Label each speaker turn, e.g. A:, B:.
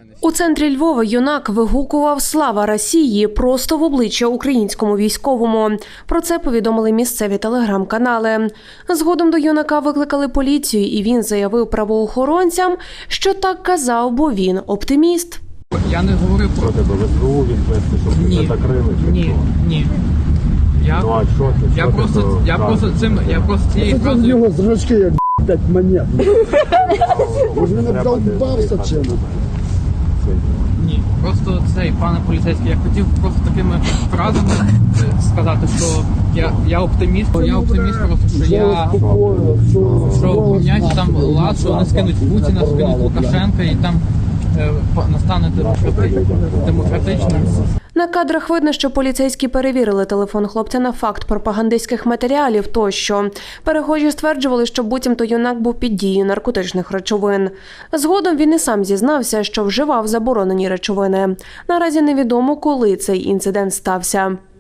A: У центрі Львова юнак вигукував «Слава Росії» просто в обличчя українському військовому. Про це повідомили місцеві телеграм-канали. Згодом до юнака викликали поліцію, і він заявив правоохоронцям, що так казав, бо він оптиміст.
B: Я не говорив про
C: тебе ВСУ відвести, щоб тебе закрили?
B: Ні.
C: Ну а що ти?
B: Я просто цією
D: Це з нього зрачки, як 5 монет. Може він обдовбався чим?
B: Ні, просто цей, пане поліцейський, я хотів просто такими фразами сказати, що я оптиміст. Я оптиміст просто, що поміняється там лад, що вони скинуть Путіна, скинуть Лукашенка і там настане демократичним.
A: На кадрах видно, що поліцейські перевірили телефон хлопця на факт пропагандистських матеріалів тощо. Перехожі стверджували, що буцімто юнак був під дією наркотичних речовин. Згодом він і сам зізнався, що вживав заборонені речовини. Наразі невідомо, коли цей інцидент стався.